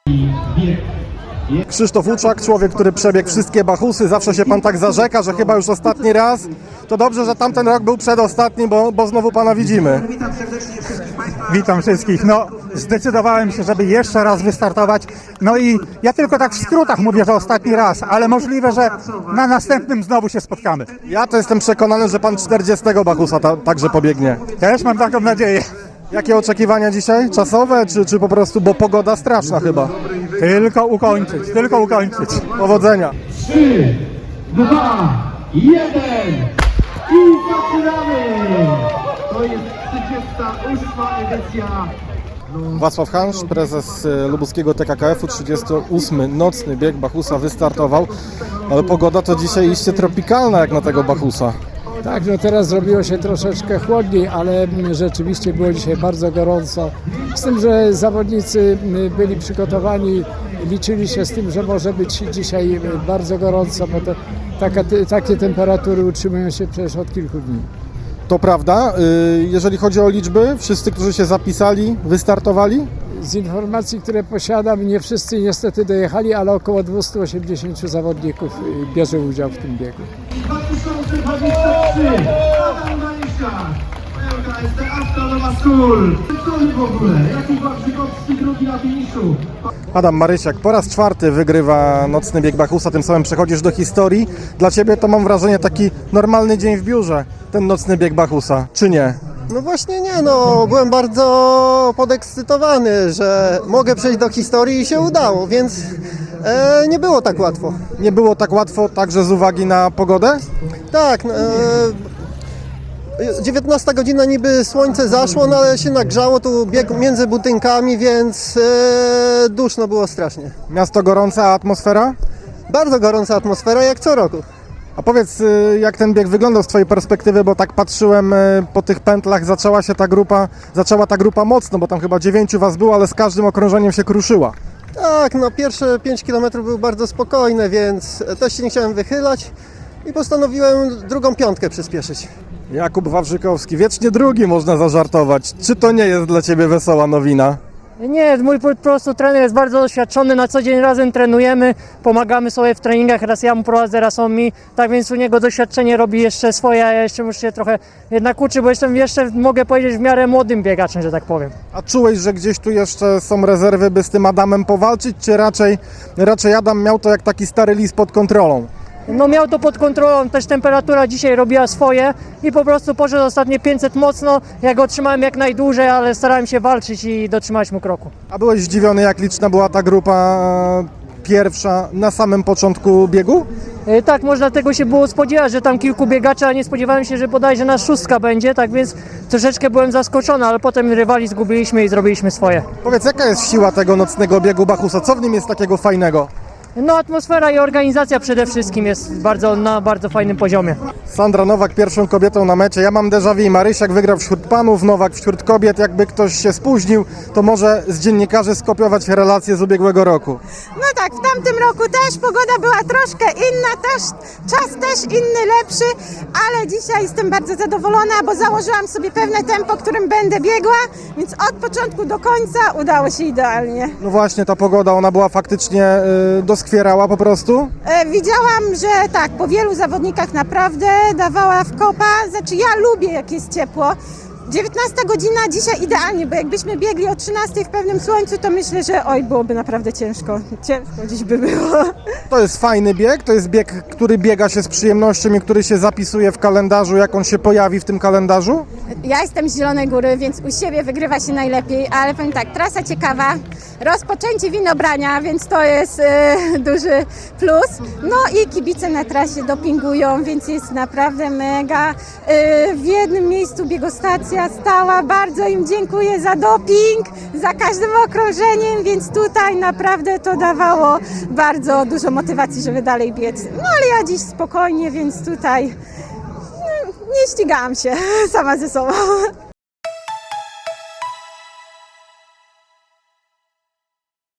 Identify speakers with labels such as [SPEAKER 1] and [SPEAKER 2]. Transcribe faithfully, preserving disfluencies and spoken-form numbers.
[SPEAKER 1] Krzysztof Łuczak, człowiek, który przebiegł wszystkie Bachusy, zawsze się pan tak zarzeka, że chyba już ostatni raz. To dobrze, że tamten rok był przedostatni, bo, bo znowu pana widzimy.
[SPEAKER 2] Witam wszystkich. No, zdecydowałem się, żeby jeszcze raz wystartować. No i ja tylko tak w skrótach mówię, że ostatni raz, ale możliwe, że na następnym znowu się spotkamy.
[SPEAKER 1] Ja to jestem przekonany, że pan czterdziestego Bachusa ta, także pobiegnie.
[SPEAKER 2] Też mam taką nadzieję.
[SPEAKER 1] Jakie oczekiwania dzisiaj? Czasowe, czy, czy po prostu, bo pogoda straszna chyba?
[SPEAKER 2] Tylko ukończyć, tylko ukończyć.
[SPEAKER 1] Powodzenia.
[SPEAKER 3] trzy, dwa, jeden i zaczynamy! To jest trzydziesta ósma edycja.
[SPEAKER 1] Wacław Hansz, prezes y, lubuskiego T K K F u, trzydziesty ósmy nocny bieg Bachusa wystartował, ale pogoda to dzisiaj iście tropikalna jak na tego Bachusa.
[SPEAKER 4] Tak, no teraz zrobiło się troszeczkę chłodniej, ale rzeczywiście było dzisiaj bardzo gorąco. Z tym, że zawodnicy byli przygotowani, liczyli się z tym, że może być dzisiaj bardzo gorąco, bo to taka, takie temperatury utrzymują się przecież od kilku dni.
[SPEAKER 1] To prawda, y, jeżeli chodzi o liczby, wszyscy, którzy się zapisali, wystartowali?
[SPEAKER 4] Z informacji, które posiadam, nie wszyscy niestety dojechali, ale około dwieście osiemdziesiąt zawodników bierze udział w tym biegu.
[SPEAKER 3] dwa tysiące dwadzieścia trzy. Adam Marysia. Pełka jest Astronowa School. Co w ogóle? Jakub Wawrzykowski drugi na finiszu.
[SPEAKER 1] Adam Marysiak po raz czwarty wygrywa nocny bieg Bachusa, tym samym przechodzisz do historii. Dla ciebie to mam wrażenie taki normalny dzień w biurze, ten nocny bieg Bachusa, czy nie?
[SPEAKER 5] No właśnie nie, no byłem bardzo podekscytowany, że mogę przejść do historii i się udało, więc e, nie było tak łatwo.
[SPEAKER 1] Nie było tak łatwo także z uwagi na pogodę?
[SPEAKER 5] Tak, e, dziewiętnasta godzina niby słońce zaszło, no ale się nagrzało, tu bieg między budynkami, więc e, duszno było strasznie.
[SPEAKER 1] Miasto gorące, a atmosfera?
[SPEAKER 5] Bardzo gorąca atmosfera jak co roku.
[SPEAKER 1] A powiedz, y, jak ten bieg wyglądał z twojej perspektywy, bo tak patrzyłem y, po tych pętlach, zaczęła się ta grupa, zaczęła ta grupa mocno, bo tam chyba dziewięciu was było, ale z każdym okrążeniem się kruszyła.
[SPEAKER 5] Tak, no pierwsze pięć kilometrów były bardzo spokojne, więc też się nie chciałem wychylać i postanowiłem drugą piątkę przyspieszyć.
[SPEAKER 1] Jakub Wawrzykowski, wiecznie drugi można zażartować. Czy to nie jest dla ciebie wesoła nowina?
[SPEAKER 6] Nie, mój po prostu trener jest bardzo doświadczony, na co dzień razem trenujemy, pomagamy sobie w treningach, raz ja mu prowadzę, raz on mi, tak więc u niego doświadczenie robi jeszcze swoje, a ja jeszcze muszę się trochę jednak uczyć, bo jestem jeszcze, mogę powiedzieć, w miarę młodym biegaczem, że tak powiem.
[SPEAKER 1] A czułeś, że gdzieś tu jeszcze są rezerwy, by z tym Adamem powalczyć, czy raczej, raczej Adam miał to jak taki stary lis pod kontrolą?
[SPEAKER 6] No miał to pod kontrolą, też temperatura dzisiaj robiła swoje i po prostu poszedł ostatnie pięćset mocno, ja go trzymałem jak najdłużej, ale starałem się walczyć i dotrzymać mu kroku.
[SPEAKER 1] A byłeś zdziwiony, jak liczna była ta grupa e, pierwsza na samym początku biegu?
[SPEAKER 6] E, Tak, można tego się było spodziewać, że tam kilku biegaczy, a nie spodziewałem się, że bodajże nas szóstka będzie, tak więc troszeczkę byłem zaskoczony, ale potem rywali zgubiliśmy i zrobiliśmy swoje.
[SPEAKER 1] Powiedz, jaka jest siła tego nocnego biegu Bachusa? Co w nim jest takiego fajnego?
[SPEAKER 6] No atmosfera i organizacja przede wszystkim jest bardzo, na bardzo fajnym poziomie.
[SPEAKER 1] Sandra Nowak pierwszą kobietą na mecie. Ja mam déjà vu. Marysiak wygrał wśród panów, Nowak wśród kobiet. Jakby ktoś się spóźnił, to może z dziennikarzy skopiować relacje z ubiegłego roku.
[SPEAKER 7] No tak, w tamtym roku też pogoda była troszkę inna, też czas też inny, lepszy, ale dzisiaj jestem bardzo zadowolona, bo założyłam sobie pewne tempo, którym będę biegła, więc od początku do końca udało się idealnie.
[SPEAKER 1] No właśnie, ta pogoda, ona była faktycznie yy, doskwierała po prostu.
[SPEAKER 7] E, widziałam, że tak, po wielu zawodnikach naprawdę dawała w kopa, znaczy ja lubię jak jest ciepło. dziewiętnasta godzina dzisiaj idealnie, bo jakbyśmy biegli o trzynastej w pewnym słońcu, to myślę, że oj, byłoby naprawdę ciężko. Ciężko dziś by było.
[SPEAKER 1] To jest fajny bieg, to jest bieg, który biega się z przyjemnością i który się zapisuje w kalendarzu, jak on się pojawi w tym kalendarzu.
[SPEAKER 7] Ja jestem z Zielonej Góry, więc u siebie wygrywa się najlepiej, ale powiem tak, trasa ciekawa, rozpoczęcie winobrania, więc to jest e, duży plus. No i kibice na trasie dopingują, więc jest naprawdę mega. E, w jednym miejscu biegostacja stała, bardzo im dziękuję za doping, za każdym okrążeniem, więc tutaj naprawdę to dawało bardzo dużo motywacji, żeby dalej biec. No ale ja dziś spokojnie, więc tutaj nie ścigałam się sama ze sobą.